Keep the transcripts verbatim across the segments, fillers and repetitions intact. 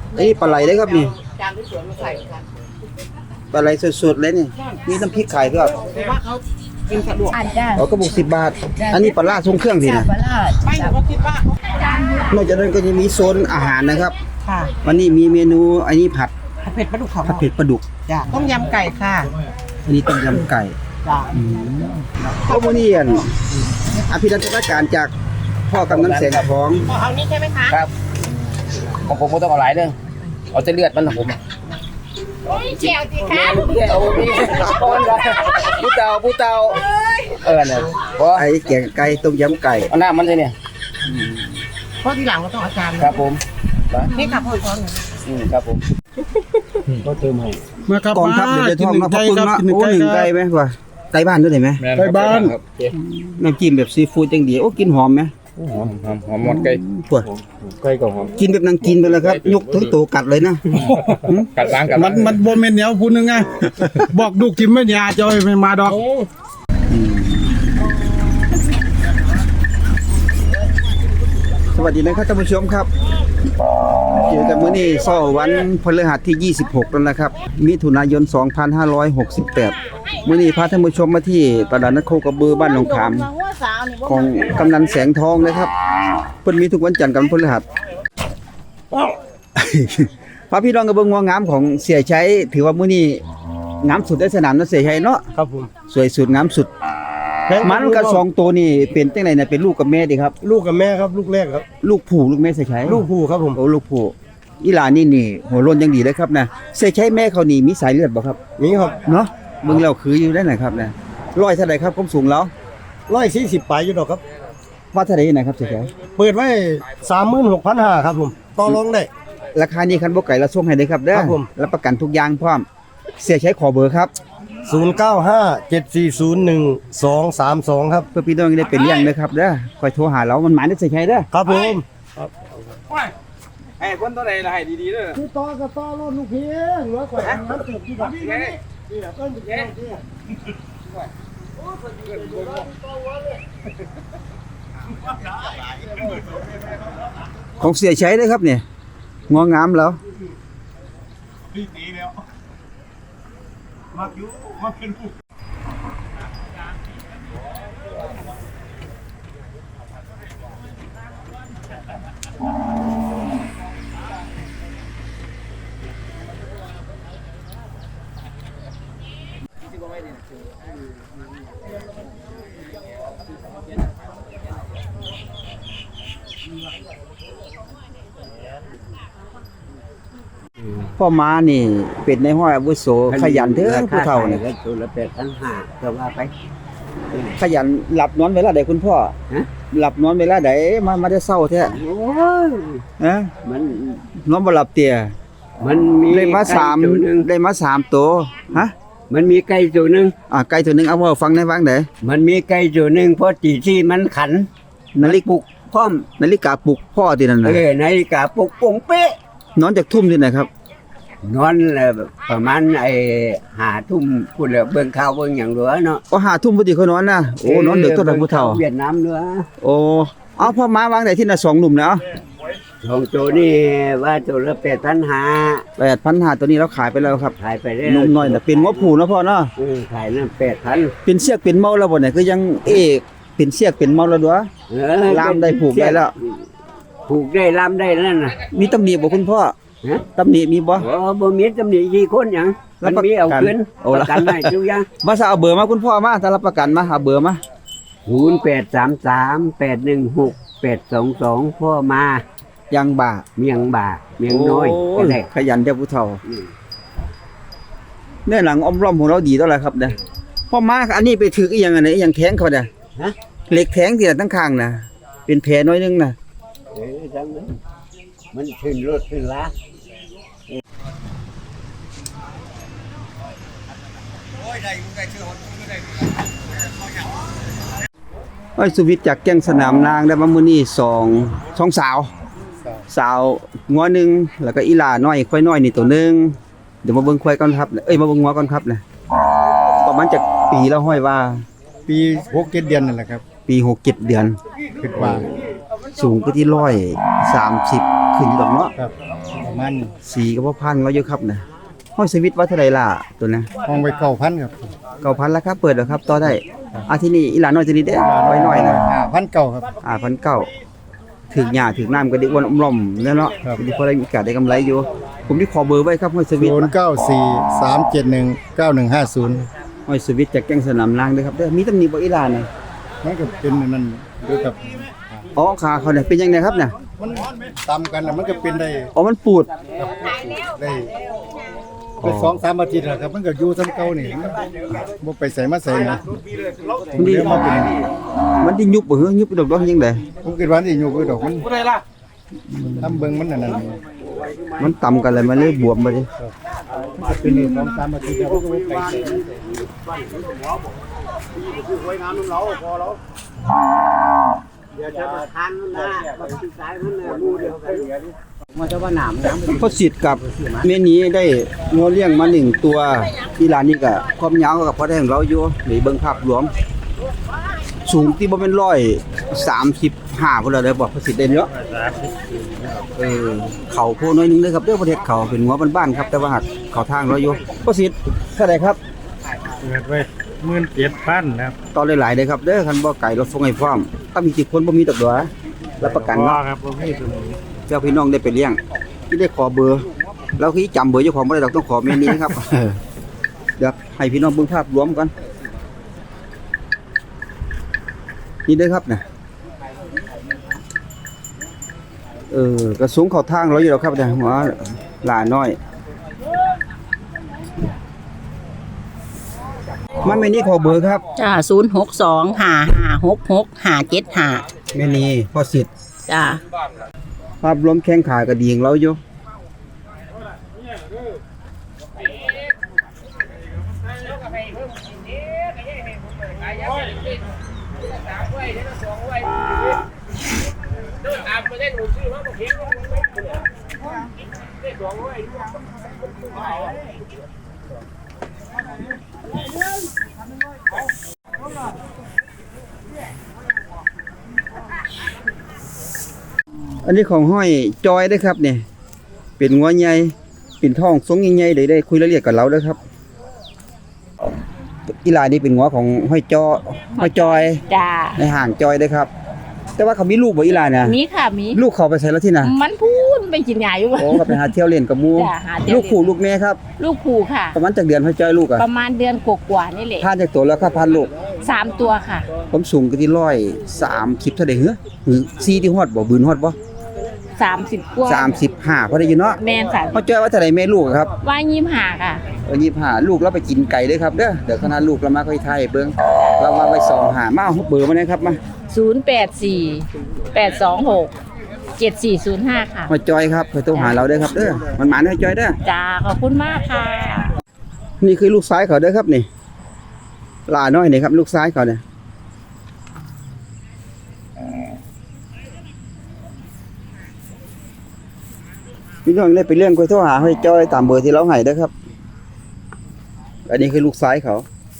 ไอ้ปลาไหลได้ครับนี่จานที่สวนมาใส่ค่ะปลาไหลสดๆเลยนี่มีน้ำพริกไข่ด้วยคือว่าเขากินสะดวกอันจ้าอ๋อกระปุกสิบบาท อันนี้ปลาล่าทรงเครื่องสิจ้านะปลาลาดไม่หนูก็คิดว่านอกจากนั้นก็จะมีโซนอาหารนะครับค่ะวันนี้มีเมนูอันนี้ผัดผัดเผ็ดปลาดุกของผัดเผ็ดปลาดุกจ้ะต้มยำไก่ค่ะอันนี้ต้มยำไก่จ้ะข้าวโพดนี่อันอภิรัตนการจากพ่อกำนันแสงทองเอานี่ใช่ไหมคะครับของผมไม่ต้องเอาหลายเรื่องเอาแต่เลือดมันนะผมโอ้ยเจียวสิคะเอาพี่ก้อนละผู้เตาผู้เตาเออเนี่ยเพราะไอ้แกงไก่ต้มยำไก่เอาหน้ามันเลยเนี่ยเพราะทีหลังเราต้องอาจารย์ครับผมนะนี่ค่ะพ่อซ้อนหนูอืมครับผมก็เติมให้มาครับกองทัพเดี๋ยวจะท่องมาพะปึ้งเนาะโอ้หนึ่งไก่ไหมวะไก่บ้านด้วยไหมไปบ้านครับน้ำจิ้มแบบซีฟู้ดจังดีโอ้กินหอมไหมหอมหอมหอมหมดไก่ปวดไก่ก็หอมกินแบบนางกินไปเลยครับ ยกถึงตัวกัดเลยนะกัดล้างกัดมันมันบ่แม่นแนวพูดนึงไงบอกลูกทิมไม่ยาจะไม่มาดอกสวัสดีนะครับท่านผู้ชมครับเจอกันมื้อนี้เช้าวันพฤหัสที่ยี่สิบหกแล้วนะครับมิถุนายนสองพันห้าร้อยหกสิบแปดมื้อนี้พาท่านผู้ชมมาที่ตลาดนัดโคกระบือบ้านหนองขามของกำนันแสงทองนะครับเพิ่นมีทุกวันจันทร์กับวันพฤหัส พระพี่น้องกระเบื้องงามของเสียชัยถือว่ามื้อนี้งามสุดในสนามนักเสียชัยเนาะครับผมสวยสุดงามสุดมันกับสองตัวนี่เป็นจังได๋น่ะเป็นลูกกับแม่ดิครับลูกกับแม่ครับลูกแรกครับลูกผู้ลูกแม่เสียชัยลูกผู้ครับผมโอ้ลูกผู้อีหลานนี่นี่หัวโล้นยังดีเลยครับนะเสียชัยแม่เขานี่มีสายเลือดบ่ครับนี่ครับเนาะมึงเราคืออยู่ได้ไหนครับนะร้อยเท่าไหร่ครับความสูงแล้วร้อยสี่สิบปลายอยู่ดอกครับว่าเท่าไหร่นะครับเสียชัยเปิดไว้สามหมื่นหกพันห้าครับผมต่อรองได้ราคานี้คันบ่ไก่ละส่งให้ได้ครับเด้อครับผมรับประกันทุกอย่างพร้อมเสียชัยขอเบอร์ครับศูนย์เก้าห้าเจ็ดสี่ศูนย์หนึ่งสองสามสองครับเพื่อพี่น้องได้เป็นเลี้ยงนะครับเด้อคอยโทรหาเรามันหมายได้เสียชัยเด้อครับผมให้คนตัวไหนละให้ดีๆเด้อคือต่อกับต่อรถลูกเพียงร้อยกว่าน้ำเติบที่แบบนี้นี่ต้นเพียงนี่ของเสียชัยเด้อครับเนี่ยงองามแล้ว พ่อม้านี่เป็นในห้อยอาวุโสขยันเด้อผู้เฒ่านี่ก็ตัวละแปดพันห้าก็ว่าไปขยันหลับนอนเวลาใดคุณพ่อฮะหลับนอนเวลาใดมามาได้เศร้าแท้โอ้ยฮะมันนอนบ่หลับเตี่ยมันมีได้มาสามไก่ตัวหนึ่งได้มาสามตัวฮะมันมีไก่ตัวหนึ่งอ่าไก่ตัวหนึงเอาเว้าฟังได้ฟังได้มันมีไก่ตัวหนึ่งเพราะตีที่มันขันนาฬิกาปลุกพร้อมนาฬิกาปลุกพ่อที่นั่นเอน่ะอนาฬิกาปลุกปงเป๊ะนอนจากทุ่มที่ไหนครับนอนเอ่อประมาณไอ้หาทุ่มพูดแล้วเบิ่งข่าวเบิ่งอย่างเหลือเนาะก็ห้าทุ่มพอดีเขานอนนะโอ้นอนดึกตัวใดผู้เฒ่าเวียดนามเหลือโอ้เอาพ่อม้าวางได้ที่น่ะสองหนุ่มแล้วสองตัวนี่ว่าตัวละแปดพันห้าแปดพันห้าตัวนี้เราขายไปแล้วครับขายไปได้หนุ่มน้อยน่ะเป็นหัวผูเนาะพ่อเนาะเออขายนั่นแปดพันเป็นเสียกเป็นเมาแล้วบ่เนี่ยคือยังเอกเป็นเสียกเป็นเมาแล้วดัวเออล่ามได้ผูกได้แล้วผูกได้ล่ามได้นั่นน่ะมีตำหนิบ่คุณพ่อฮะตำหนิมีบ่โอ้บ่มีตำหนิกี่คนหยังรัมับนประกันมีเอาคืนโอ้ปละระกันให้ทุกอย่างมาซะเอาเบอร์มาคุณพ่อมาถ้ารับประกันมาเอาเบอร์มาศูนย์แปดสามสามแปดหนึ่งหกแปดสองสองพ่อมายังบ่าเมียงบ่าเมียงน้อยโก็ได้ขยันเจ้าผู้เฒ่าอืมเนื้อหนังอ้อมร่อมของเราดีเท่าไหร่ครับเด้อพ่อมาอันนี้ไปถืออีหยังอันไหนอีหยังแทงเขาเด้อฮะเหล็กแทงที่ตั้งข้างน่ะเป็นแผลน้อยนึงน่ะเออจังนั้นมันขึ้นรถขึ้นลาไอ้ยสุวิทย์จากแก้งสนามนางได้มามื้อนี้สองสองสาว สาวงัวหนึงแล้วก็อีหลาน้อยควายน้อยนี่ตัวหนึงเดี๋ยวมาเบิ่งควายก่อนครับเอ้ยมาเบิ่งงัวก่อนครับนะประมาณจักปีแล้วห้อยว่าปีหกเจ็ดเดือนนั่นแหละครับปีหกเจ็ดเดือนคิดว่าสูงก็ที่ร้อยสามสิบขึ้นอยู่ดอกเนาะครับประมาณสีก็บ่พันเราอยู่ครับนะห้อยสวิตว่าเท่าไหร่ล่ะตัวนะห้องไว้เก้าพันครับเก้าพันแล้วครับเปิดแล้วครับต่อได้อาทีนี้อีหลานน้อยตัวนี้เด้อไว้หน่อยนะห้าพันเก้าครับอ่าพันเก้าถึงหญ้าถึงน้ำก็ได้อ้วนอมล่อมแล้วเนาะครับทีนี้พอได้มีโอกาสได้กำไรอยู่ ผมที่ขอเบอร์ไว้ครับห้อยสวิตศูนย์เก้าสี่สามเจ็ดหนึ่งเก้าหนึ่งห้าศูนย์ห้อยสวิตจากแก้งสนามนางเด้อครับเด้อมีตำหนิบ่อีหลานน่ะมันก็เป็นอันนั่นด้วยกับอ๋อขาเขาเนี่ยเป็นยังไงครับเนี่ยมันตำกันแล้วมันก็เป็นได้อ๋อมันปูดได้เป็นสองสามอาทิตย์แล้วครับมันก็อยู่ซ้ำเก่านี่มันบ่ไปใส่มาใส่นะผมเรียกมาเป็นมันที่ยุบบ่เหรอยุบดอกดอกยังไงผมคิดว่านี่อยู่คือดอกมันทำเบิ่งมันนั่นนั่นมันต่ำกันเลยมันเลยบวมมาดิเป็นนี่สองสามอาทิตย์แล้วก็บ่ไปใส่มาพอสิทธิ์กับเมนี้ได้งัวเลี้ยงมาหนึ่งตัวที่ร้านนี้ก็ความยาวกับพอได้ของเราอยู่นี่เบิ่งภาพรวม สูงที่บ่แม่นร้อยสามสิบห้าพุ่นแล้วเด้อบ่พอสิทธิ์ได้เนาะเออเขาโพน้อยหนึงเด้อครับเด้อประเทศเขาเป็นงัวบ้านๆครับแต่ว่าหักเขาทางเราอยู่พอสิทธิ์เท่าไหร่ครับเปิดไว้หมื่นเจ็ดพันครับต่อหลายๆเด้อครับเด้อคันบ่ไก่รถส่งให้พร้อมถ้ามีกี่คนบ่มีตกดัวรับประกันเนาะครับผมมีตัวนี้เจ้าพี่น้องได้ไปเลี้ยงที่ได้ขอเบอร์เราคือจำเบอร์เจ้าของบ่ได้เราต้องขอเมนูนะครับ เดี๋ยวให้พี่น้องเบิ่งภาพรวมก่อนนี่เด้อครับนะเออกระสูงเข้าทางเราอยู่แล้วครับเนี่ยหัวหลาน้อยมันไม่นี่ขอเบอร์ครับจ้าศูนย์หกสองห้าห้าหกหกห้าเจ็ดห้าแม่นีพอสิทธิ์จ้าภาพรวมแข้งขากระดีของเราอยู่อันนี้ของห้อยจอยเด้อครับเนี่ยเป็นงัวใหญ่เป็นท้องทรงใหญ่ๆเลยได้คุยรายละเอียดกับเราเด้อครับอีหลานี่เป็นงัวของห้อยจอห้อยจอยจ้าในห่างจอยเด้อครับ แต่ว่าเขามีลูกบ่อีหลาน่ะมีค่ะมีลูกเขาไปใส่แล้วที่น่ะมันพูดไปกินยาอยู่โอ้ก็ไปหาเที่ยวเล่นกับหมู่จ้ะหาเที่ยวเล่นลูกคู่ลูกแม่ครับลูกผูค่ะประมาณจักเดือนห้อยจอยลูกอ่ะประมาณเดือนกว่าๆนี่แหละทานจากตัวแล้วครับพันลูกสามตัวค่ะผมสูงก็ที่ร้อยสามสิบเท่าใดเหรอหรือสี่ที่ฮอดบ่บืนฮอดบ่สามสิบกว่าสามสิบห้าพอได้อยู่เนาะแมนสามห้อยจอยว่าเท่าใดแม่ลูกอะครับว่ายิ้มหาค่ะเออยี่สิบห้าลูกเราไปกินไก่เด้อครับเด้อเดี๋ยวคณะลูกเรามาค่อยไทยเบิ่งเรามาไว้สองหามาเอาเบอร์มาเลยครับมาศูนย์แปดสี่แปดสองหกเจ็ดสี่ศูนย์ห้าค่ะห้อยจอยครับเคยโทรหาเราเด้อครับเด้อมันหมานห้อยจอยเด้อจ้าขอบคุณมากค่ะนี่คือลูกซ้ายเขาเด้อครับนี่หลาน้อยนี่ครับลูกซ้ายเขาเนี่ยพี่น้องได้ไปเรื่องคุยโทรหาห้อยจอยตามเบอร์ที่เราให้เด้อครับอันนี้คือลูกซ้ายเขา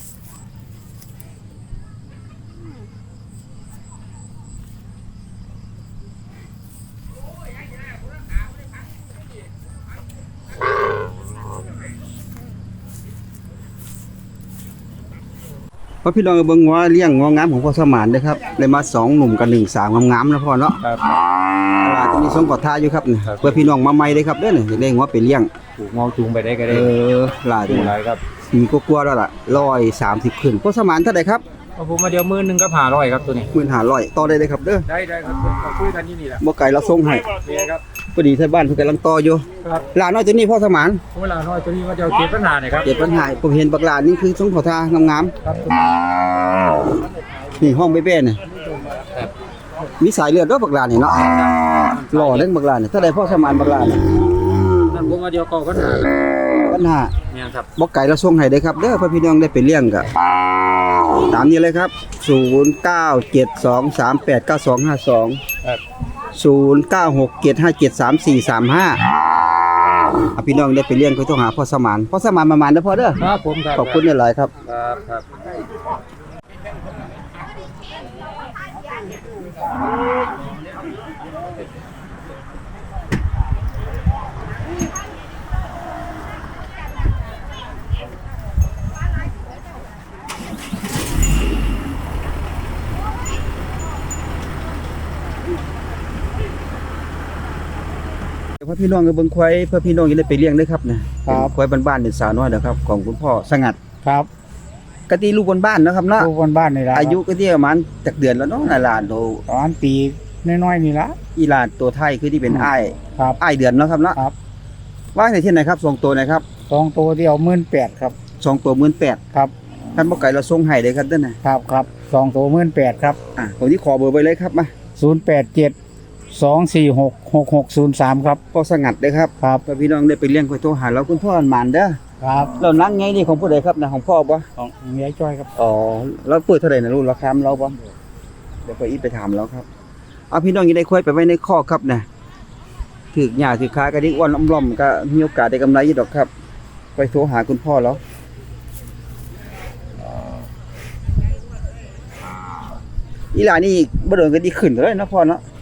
เพราะพี่น้องเบิ่งว่าเลี้ยงงองามของพ่อสมานเด้อครับได้มาสองหนุ่มกับหนึ่งสาวงามๆนะพ่อเนาะครับตลาดที่มีส่งขอทาอยู่ครับนี่เพื่อพี่น้องมาใหม่เด้อครับเด้อนี่ได้งัวไปเลี้ยงถูกมองจูงไปได้ก็เอได้อหลายถูกหลายครับมีกลัวๆแล้วล่ะร้อยสามสิบขึ้นพ่อสมานเท่าไหร่ครับเอาผมมาเดียวมื้อนึงก็ผ่าร้อยครับตัวนี้หมื่นห้าร้อยต่อได้เลยครับเด้อได้ได้ครับเราคุยกันที่นี่แหละบ่ไก่เราส่งให้นี่ครับพอดีที่บ้านเพิ่นกำลังต่ออยู่ครับหลานน้อยตัวนี้พ่อสมานเวลาน้อยตัวนี้ว่าจะเอาเก็บปัญหาเนี่ยครับเกิดปัญหาผมเห็นบักหลานนี่คือส่งขอทางามครับๆนี่ห้องเบ้ๆนี่มีสายเลือดเด้อบักหลานนี่เนาะหล่อเด้อบักหลานนี่เท่าใดพ่อสมานบักหลานนี่นั่นผมมาเดียวก็ปัญหาปัญหาเนี่ยครับบ่ไก่เราส่งให้เด้อครับเด้อเพื่อพี่น้องได้ไปเลี้ยงก็ตามนี้เลยครับศูนย์เก้าเจ็ดสองสามแปดเก้าสองห้าสองครับศูนย์เก้าหกเจ็ดห้าเจ็ดสามสี่สามห้าอ่ะพี่น้องได้ไปเลี้ยงก็ต้องหาพ่อสมานพ่อสมานประมาณเด้อพ่อเด้อครับผมครับขอบคุณหลายๆครับครับครับพพี่น้องก็เบิ่งควายเพื่อพี่น้องจะได้ไปเลี้ยงเด้อครับนะครับ ควายบ้านๆเป็นสาวน้อยเด้อครับของคุณพ่อสงัดครับกะตีลูกบ้านๆเนาะครับเนาะลูกคนบ้านนี่ล่ะอายุก็ที่ประมาณจักเดือนแล้วเนาะน่ะหลานโตประมาณปีน้อยๆนี่ล่ะอีหลานตัวไทยคือที่เป็นอ้ายครับอ้ายเดือนเนาะครับเนาะครับว่าในที่ไหนครับสองตัวนะครับสองตัวเดียวหมื่นแปดครับสองตัวหมื่นแปดครับท่านบ่ไก่เราส่งให้เลยครับเด้อนะครับครับสองตัวหมื่นแปดครับอ่ะผมที่ขอเบอร์ไว้เลยครับมาศูนย์แปดเจ็ดสองสี่หกหกหกศูนย์สามครับพ่อสงัดเด้อครับครับเพื่อพี่น้องได้ไปเลี้ยงควายโทรหาเราคุณพ่อหมานเด้อครับเรานั่งไงนี่ของผู้ใดครับนะของพ่อบ่ของเมียจ้อยครับอ๋อแล้วเปิดเท่าไหร่นะลูกราคาเราบ่เดี๋ยวไปอีกไปถามเราครับเอาพี่น้องอยังได้ควายไปไว้ในคอกครับนะถือกหญ้าถือขากระดิกอ้วนล่อมๆก็มีโอกาสได้กำไรอยู่ดอกครับ ไปโทรหาคุณพ่อแล้วอีหลานี่บ่โดนก็ดีขึ้นเลยเนาะพ่อเนาะ